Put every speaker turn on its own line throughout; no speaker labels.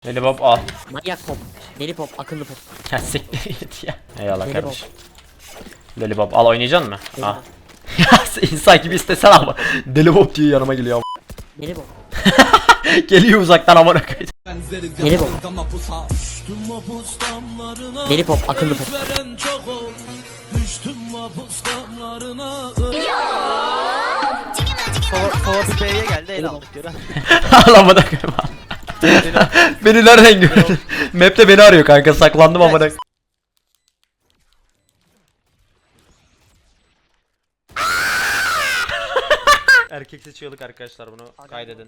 Lollipop al.
Manyak pop. Deli pop, akıllı pop.
Ya siktir git ya. Eyvallah
Deli
kardeşim. Lollipop al, oynayacaksın mı? Al. Ya insan gibi istesen ama. Deli Bob diye yanıma geliyor ama.
Deli pop.
Geliyor uzaktan ama ne koyayım.
Deli pop. Deli pop, akıllı pop.
Kova bir B'ye geldi, el aldık göre.
Ağlamadan koyayım. Beni nereden gördün? Map'te beni arıyor kanka, saklandım ama ne. Erkek seçiyorduk arkadaşlar, bunu kaydedin.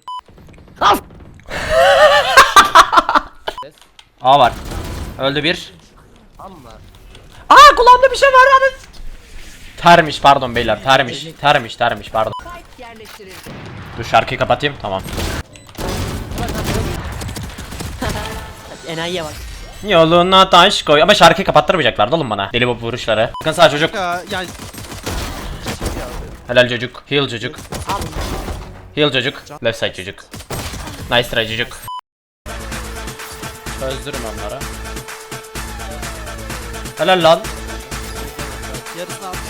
A var. Öldü bir.
Amma.
Aa, kulağımda bir şey var lan. Termiş, pardon beyler, termiş pardon. Dur şarkıyı kapatayım, tamam.
Enayiye bak.
Yoluna taş koy, ama şarkıyı kapattırmayacaklardı oğlum bana. Deli Bob vuruşları. Bakın sağ çocuk.
Yani
Helal çocuk. Heal çocuk. Heal çocuk. Left side çocuk. Nice try çocuk. Çözdürüm onları. Helal lan.
yarısını almış.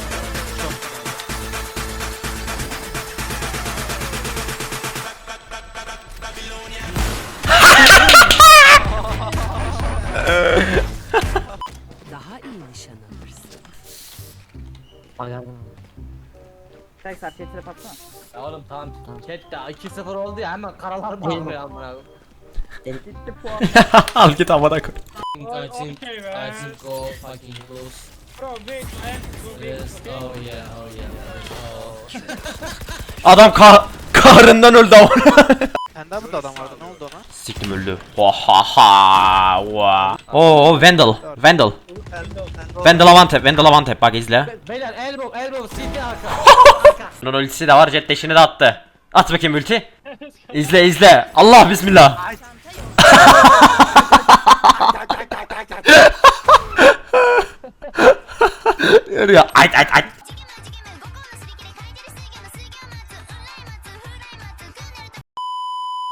Daha iyi nişan alırsın.
Ayardım.
Tekrar tetrep atsana.
Ya oğlum tamam. Chat de 2-0 oldu ya, hemen karalar mı alıyor amına
Gitti puan.
Al git amına koy.
koyayım. I think go fucking close.
Bro wait man.
Yes. Oh yeah, oh yeah.
Adam kahrından öldü ama.
Senden burada adam vardı, ne oldu ona?
Siktim öldü. Oha. Oo, Vandal. Vandal Avantep bak izle.
Beyler elbow CT arka.
Bunun ultisi de var, jet dash'ini de attı. At bakayım ulti. İzle. Allah bismillah. Yürüyor. Ay.